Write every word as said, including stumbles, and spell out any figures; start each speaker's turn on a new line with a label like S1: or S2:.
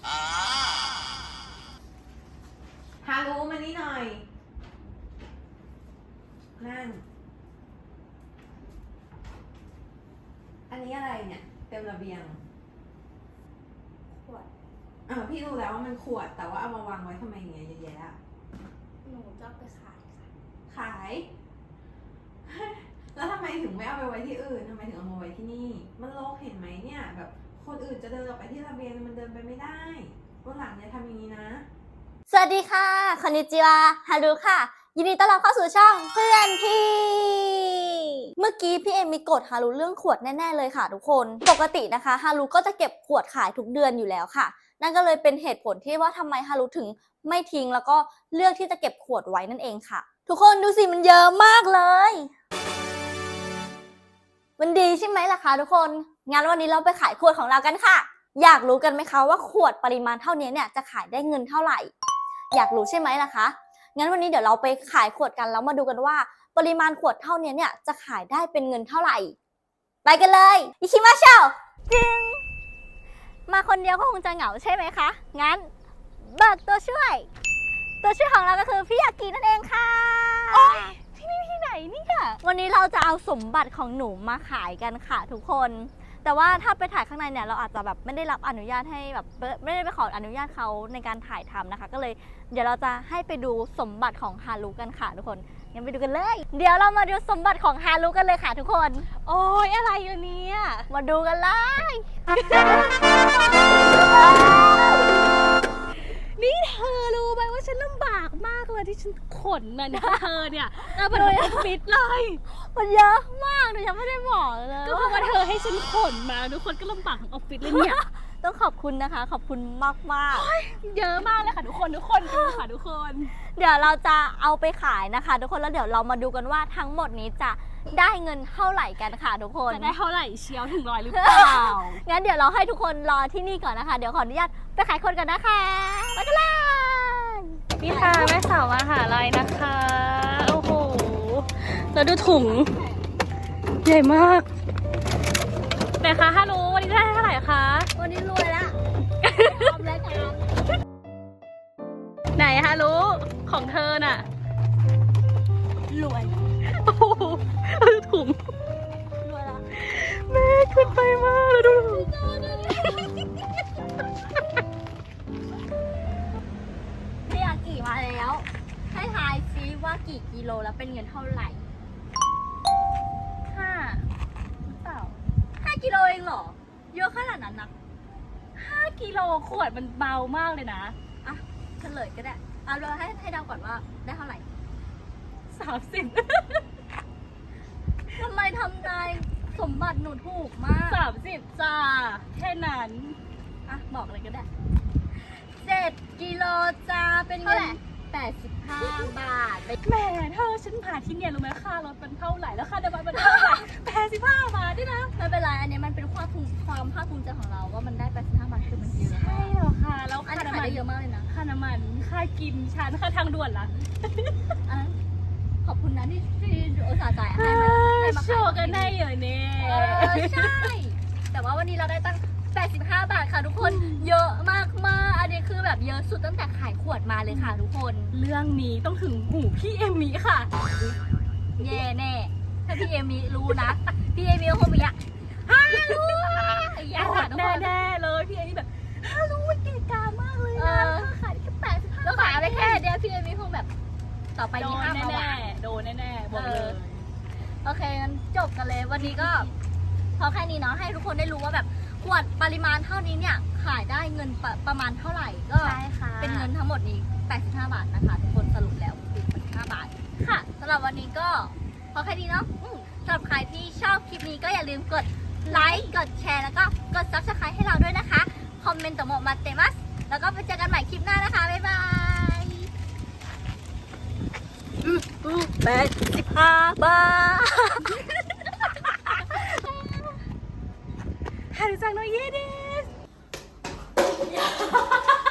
S1: ฮารุมานี่หน่อย นั่ง อันนี้อะไรเนี่ย เต็มระเบียง
S2: ขวด
S1: อ่าพี่รู้แล้วว่ามันขวด แต่ว่าเอามาวางไว้ทำไมอย่างเงี้ยเยอะแยะอะ
S2: หนูจะเอาไปขายค่ะ
S1: ขาย แล้วทำไมถึงไม่เอาไปไว้ที่อื่นทำไมถึงเอามาไว้ที่นี่ มันรกเห็นไหมเนี่ย แบบคนอื่นจะเดินออกไปที่ระเบียงมันเดินไปไม่ได้วันหลังอย่าทำอย่างนี้นะ
S2: สวัสดีค่ะคอนนิจิวาฮารุค่ะ ยินดีต้อนรับเข้าสู่ช่องเพื่อนพี่ เมื่อกี้พี่เอมมีกดฮารุเรื่องขวดแน่ๆเลยค่ะทุกคน ปกตินะคะฮารุก็จะเก็บขวดขายทุกเดือนอยู่แล้วค่ะ นั่นก็เลยเป็นเหตุผลที่ว่าทำไมฮารุถึงไม่ทิ้งแล้วก็เลือกที่จะเก็บขวดไว้นั่นเองค่ะ ทุกคนดูสิมันเยอะมากเลย มันดีใช่ไหมล่ะคะทุกคน งั้นวันนี้เราไปขายขวดของเรากันค่ะ อยากรู้กันไหมคะว่าขวดปริมาณเท่านี้เนี่ยจะขายได้เงินเท่าไหร่ อยากรู้ใช่ไหมล่ะคะ งั้นวันนี้เดี๋ยวเราไปขายขวดกันแล้วมาดูกันว่าปริมาณขวดเท่านี้เนี่ยจะขายได้เป็นเงินเท่าไหร่ ไปกันเลยอิคิมาเชลจึงมาคนเดียวก็คงจะเหงาใช่ไหมคะ งั้นเบิกตัวช่วย ตัวช่วยของเราก็คือพี่ยากินั่นเองค่ะ
S3: โอ๊ยที่นี่ที่ไหนเนี่ย
S2: วันนี้เราจะเอาสมบัติของหนูมาขายกันค่ะทุกคน แต่ว่าถ้าไปถ่ายข้างในเนี่ยเราอาจจะแบบไม่ได้รับอนุญาตให้แบบไม่ได้ไปขออนุญาตเขาในการถ่ายทำนะคะ ก็เลยเดี๋ยวเราจะให้ไปดูสมบัติของฮารุกันค่ะทุกคน งั้นไปดูกันเลย เดี๋ยวเรามาดูสมบัติของฮารุกันเลยค่ะทุกคน
S3: โอ้ยอะไรอยู่เนี่ย
S2: มาดูกันเลย
S3: นี่เธอรู้ไหมว่าฉันลำบากมากเลยที่ฉันขนน่ะเนี่ยเธอเนี่ยเอาเป็นออฟฟิศเลย
S2: มันเยอะมากหนูยังไม่ได้บอกเลย
S3: ก็เพราะว่าเธอให้ฉันขนมาทุกคนก็ลำบากทั้งออฟฟิศเลยเนี่ย
S2: ต้องขอบคุณนะคะ ขอบคุณมากมาก
S3: เยอะมากเลยค่ะทุกคนทุกคนดูค่ะทุกคน
S2: เดี๋ยวเราจะเอาไปขายนะคะ ทุกคนแล้วเดี๋ยวเรามาดูกันว่าทั้งหมดนี้จะได้เงินเท่าไหร่กันค่ะทุกคน
S3: จะได้เท่าไหร่เชียวถึงร้อยหรือเปล่า
S2: งั้นเดี๋ยวเราให้ทุกคนรอที่นี่ก่อนนะคะ เดี๋ยวขออนุญาตไปขายคนกันนะคะไปกันเลย
S3: นี่ค่ะแม่สาวมหาลัยนะคะโอ้โหแล้วดูถุงใหญ่มากไหนคะฮารุวันนี้ได้เท่าไหร่คะ
S2: วันนี้รวยละทำแล้วกัน
S3: ไหนฮารุของเธอน่ะ
S2: รวย
S3: โอ้โหดูถุง
S2: รวยละ
S3: แม่ขึ้นไปมากแล้วดูถุง
S2: พี่ยากี่มาแล้วให้ทายซิว่ากี่กิโลแล้วเป็นเงินเท่าไหร่
S3: ห้าหรือเปล่า
S2: ห้ากิโลเองเหรอเยอะขนาดนั้นนะ
S3: ห้ากิโลขวดมันเบามากเลยนะ
S2: อ่ะเฉลยก็ได้เอาเราให้ให้เดาก่อนว่าได้เท่าไหร่
S3: สามสิบ
S2: ทำไมทำนายสมบัติหนูถูกมาก
S3: สามสิบจ้าแค่นั้น
S2: อ่ะบอกเลยก็ได้เจ็ดกิโลจ้าเป็นเงินแปดสิบห้าบาท
S3: แหมเธอฉันผ่านที่เนี่ยรู้ไหมค่ารถมันเท่าไหร่แล้วค่าน้ำมันมันเท่าไหร่แปดสิบห้าบาทด้วยนะ
S2: ไม่เป็นไรอันนี้มันเป็นความภูมิความภาคภูมิใจของเราว่ามันได้แปดสิบห้าบาทคือมันเยอะ
S3: ใช่เหรอคะแล้ว
S2: อัน
S3: ค่า
S2: นี้
S3: น้ำ
S2: ขาย
S3: มัน
S2: ได้เยอะมากเลยนะ
S3: ค่าน้ำมันค่ากินชานค่าทางด่วนล่ะ
S2: อันนั้นขอบคุณนะที่ที่อุตส่าห์จ่ายให้มาให้มา
S3: โช
S2: ขาย
S3: ว์กันได้เหรอเนี่ย
S2: เออใช่ แต่ว่าวันนี้เราได้ตั้งแปดสิบห้าบาทค่ะทุกคนเยอะมากมากอันนี้คือแบบเยอะสุดตั้งแต่ขายขวดมาเลยค่ะทุกคน
S3: เรื่องนี้ต้องถึงหูพี่เอมมี่ค่ะ
S2: แย่แน่ถ้าพี่เอมีรู้นะ พี่เอมีก็คงมีอะฮัลโหลอย่า
S3: อ
S2: ค่ะ
S3: ด
S2: ทุกคน
S3: แน่ๆเลยพี่เอมมี่แบบฮารู้ว่าเก๋กามากเลย
S2: เอ
S3: นะ
S2: อ
S3: ขายได้แค่แปดสิบห้า
S2: แล้วขายไปแค่เดียวพี่เอมีคงแบบ ต่อไป
S3: โด
S2: นี้
S3: น
S2: ห้ามมาห
S3: แน่
S2: วาน
S3: ๆโดนแน่ๆบอกเลย
S2: โอเคงั้นจบกันเลยวันนี้ก็พอแค่นี้เนาะให้ทุกคนได้รู้ว่าแบบขวดปริมาณเท่านี้เนี่ยขายได้เงินปประมาณเท่าไหร่ก็
S3: ใช่ค่ะ
S2: เป็นเงินทั้งหมดนี้แปดสิบห้าบาทนะคะทุกคนสรุปแล้วคือแปดสิบห้าบาทค่ะสำหรับวันนี้ก็พอแค่นี้เนาะอืมสำหรับใครที่ชอบคลิปนี้ก็อย่าลืมกดไลค์กดแชร์แล้วก็กด ซับสไครบ์ ให้เราด้วยนะคะคอมเมนต์ต่อมาเตมัสแล้วก็ไปเจอกันใหม่คลิปหน้านะคะบ๊ายบายแปดสิบห้าบาท
S3: ฮารุจังโนเยเดส